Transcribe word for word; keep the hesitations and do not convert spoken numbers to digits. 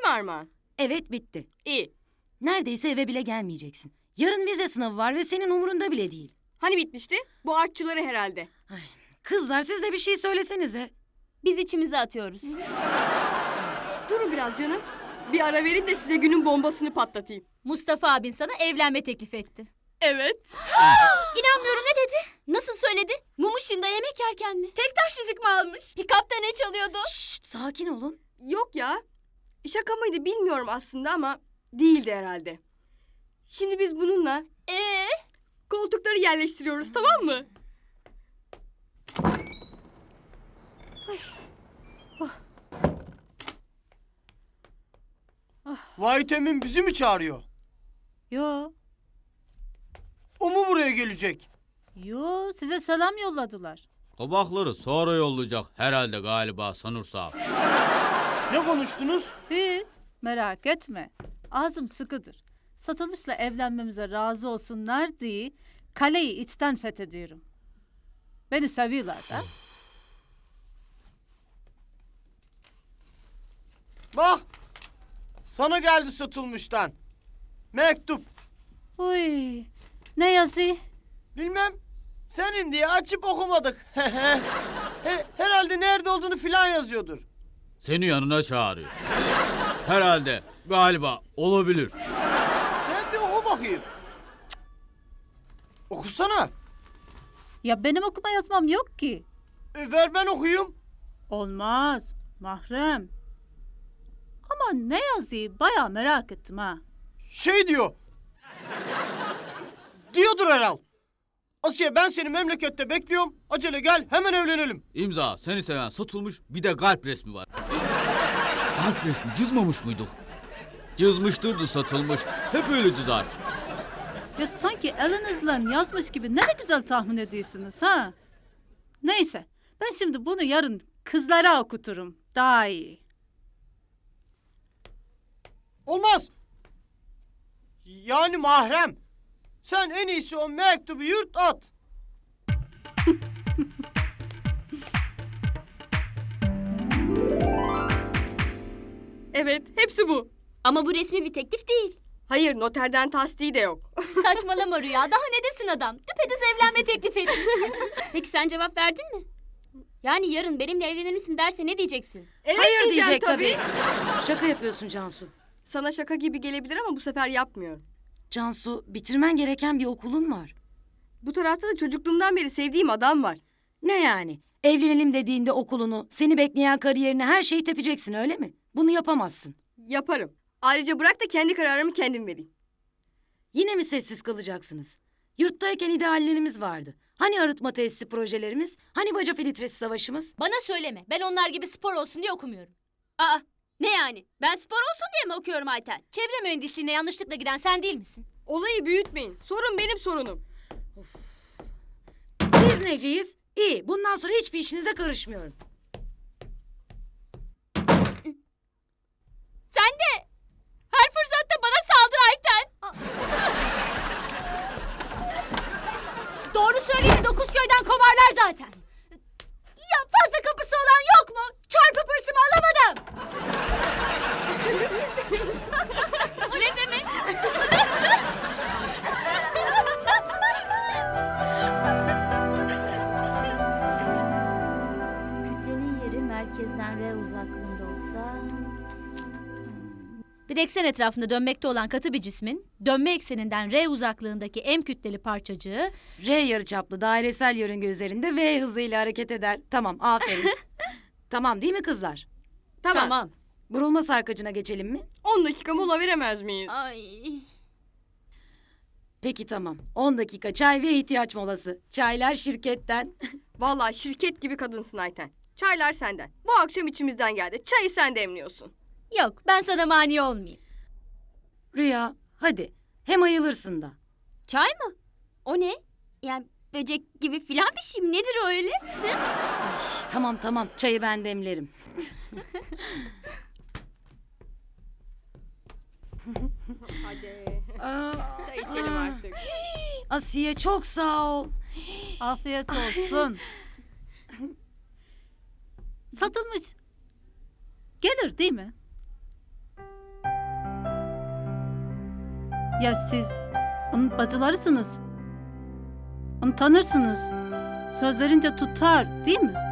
mi Armağan? Evet, bitti. İyi. Neredeyse eve bile gelmeyeceksin. Yarın vize sınavı var ve senin umurunda bile değil. Hani bitmişti? Bu artçıları herhalde. Ay, kızlar siz de bir şey söylesenize. Biz içimize atıyoruz. Durun biraz canım. Bir ara verin de size günün bombasını patlatayım. Mustafa abin sana evlenme teklif etti. Evet. İnanmıyorum, ne dedi? Nasıl söyledi? Mum ışığında yemek yerken mi? Tek taş yüzük mü almış? Pikapta ne çalıyordu? Şşt, sakin olun. Yok ya. Şaka mıydı bilmiyorum aslında ama değildi herhalde. Şimdi biz bununla Ee? koltukları yerleştiriyoruz, tamam mı? Vahit Emin bizi mi çağırıyor? Yo, O mu buraya gelecek? yo size selam yolladılar. Kabakları sonra yollayacak herhalde galiba sanırsam. Ne konuştunuz? Hiç merak etme. Ağzım sıkıdır. Satılmışla evlenmemize razı olsunlar diye kaleyi içten fethediyorum. Beni seviyorlar da. Bak. Sana geldi Satılmış'tan. Mektup. Uy, ne yazıyor? Bilmem. Senin diye açıp okumadık. He, herhalde nerede olduğunu filan yazıyordur. Seni yanına çağırıyor. Herhalde, galiba, olabilir. Sen bir oku bakayım. Cık. Okusana. Ya benim okuma yazmam yok ki. E, ver ben okuyayım. Olmaz, mahrem. Ama ne yazıyor bayağı merak ettim ha. Şey diyor. Diyordur herhal. Asiye ben seni memlekette bekliyorum. Acele gel hemen evlenelim. İmza, seni seven Satılmış, bir de kalp resmi var. Kalp resmi cızmamış muyduk? Cızmıştırdı Satılmış. Hep öyle cızar. Ya sanki elinizle yazmış gibi ne de güzel tahmin ediyorsunuz ha. Neyse ben şimdi bunu yarın kızlara okuturum. Daha iyi. Olmaz. Yani mahrem. Sen en iyisi o mektubu yurt at. Evet, hepsi bu. Ama bu resmi bir teklif değil. Hayır, noterden tasdiği de yok. Saçmalama Rüya. Daha ne desin adam? Düpedüz evlenme teklif etmiş. Peki sen cevap verdin mi? Yani yarın benimle evlenir misin derse ne diyeceksin? Evet Hayır diyeceğim diyecek tabii. Şaka yapıyorsun Cansu. Sana şaka gibi gelebilir ama bu sefer yapmıyorum. Cansu, bitirmen gereken bir okulun var. Bu tarafta da çocukluğumdan beri sevdiğim adam var. Ne yani? Evlenelim dediğinde okulunu, seni bekleyen kariyerini, her şeyi tepeceksin öyle mi? Bunu yapamazsın. Yaparım. Ayrıca bırak da kendi kararımı kendim vereyim. Yine mi sessiz kalacaksınız? Yurttayken ideallerimiz vardı. Hani arıtma tesisi projelerimiz? Hani baca filtresi savaşımız? Bana söyleme. Ben onlar gibi spor olsun diye okumuyorum. Aa, ne yani? Ben spor olsun diye mi okuyorum Ayten? Çevre mühendisliğine yanlışlıkla giren sen değil misin? Olayı büyütmeyin. Sorun benim sorunum. Biz neciyiz? İyi, bundan sonra hiçbir işinize karışmıyorum. Sen de her fırsatta bana saldır Ayten. Doğru söyleyeyim, dokuz köyden kovarlar zaten. Ya fazla kapısı olan yok mu? Çarpıp hırsımı alamadım. O ne demek? Kütlenin yeri merkezden R uzaklığında olsa... Bir eksen etrafında dönmekte olan katı bir cismin dönme ekseninden R uzaklığındaki M kütleli parçacığı R yarıçaplı dairesel yörünge üzerinde V hızıyla hareket eder. Tamam, aferin. Tamam değil mi kızlar? Tamam. Burulma sarkacına geçelim mi? On dakika mola veremez miyiz? Ay. Peki tamam. on dakika çay ve ihtiyaç molası. Çaylar şirketten. Vallahi şirket gibi kadınsın Ayten. Çaylar senden. Bu akşam içimizden geldi. Çayı sen demliyorsun. Yok, ben sana mani olmayayım. Rüya, hadi. Hem ayılırsın da. Çay mı? O ne? Yani böcek gibi filan bir şey mi? Nedir o öyle? Tamam tamam, çayı ben demlerim. Hadi. Aa, Çay içelim artık. Asiye çok sağ ol. Afiyet olsun. Satılmış. Gelir değil mi? Ya siz onun bacılarısınız. Onu tanırsınız. Söz verince tutar, değil mi?